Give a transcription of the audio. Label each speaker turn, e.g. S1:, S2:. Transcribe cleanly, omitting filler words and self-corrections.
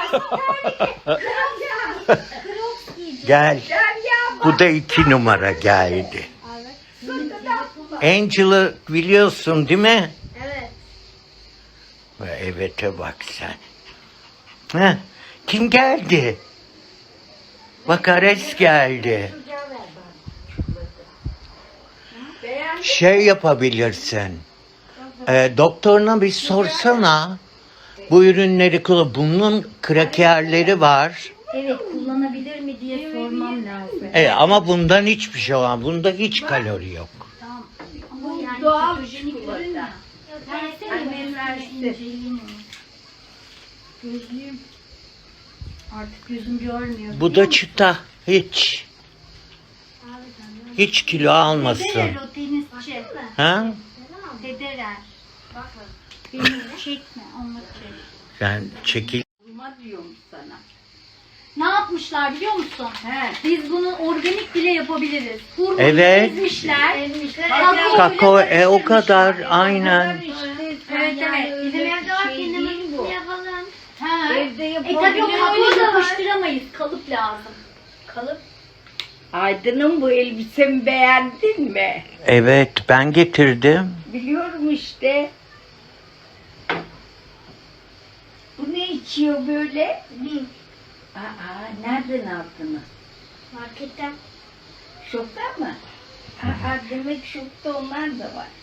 S1: Gel. Bu da 2 numara geldi. Angel'ı biliyorsun değil mi?
S2: Evet.
S1: Evet'e bak sen. Heh, kim geldi? Bak Ares geldi. Şey yapabilirsin. Doktoruna bir sorsana. Bu ürünleri kullan. Bunun krakerleri var.
S2: Evet, kullanabilir mi diye sormam lazım.
S1: Ama bundan hiçbir şey var. Bunda hiç kalori yok.
S2: Tamam. Ama yani
S3: doğal
S2: ketojenik ürün
S3: çikolata.
S2: ya. Versene
S3: Annem
S2: ben inceleyeyim onu. Gözlüğüm. Artık gözüm görmüyor.
S1: Bu da çıta. Hiç. Hiç kilo almasın.
S2: Federer o tenisçi.
S1: Ha?
S2: Federer. Beni çekme, onunla çek.
S1: Ben çekil.
S3: Vurma diyorum sana.
S2: Ne yapmışlar biliyor musun?
S3: He.
S2: Biz bunu organik bile yapabiliriz. Hurmayı
S1: Evet.
S2: ezmişler.
S1: Kakao
S2: ile
S1: o kadar
S2: karıştırmışlar.
S1: aynen.
S2: Evet evet. Bizim evde var, kendimiz yapalım. Ha.
S3: Evde
S2: Tabii o
S3: yapabiliriz.
S2: kakaoyu yapıştıramayız. Kalıp lazım. Kalıp.
S3: Aydın'ım bu elbisemi beğendin mi?
S1: Evet ben getirdim.
S3: Biliyorum işte. Bu ne içiyor böyle? Nereden aldınız?
S2: Marketten.
S3: Şokta mı? Demek şokta onlar da var.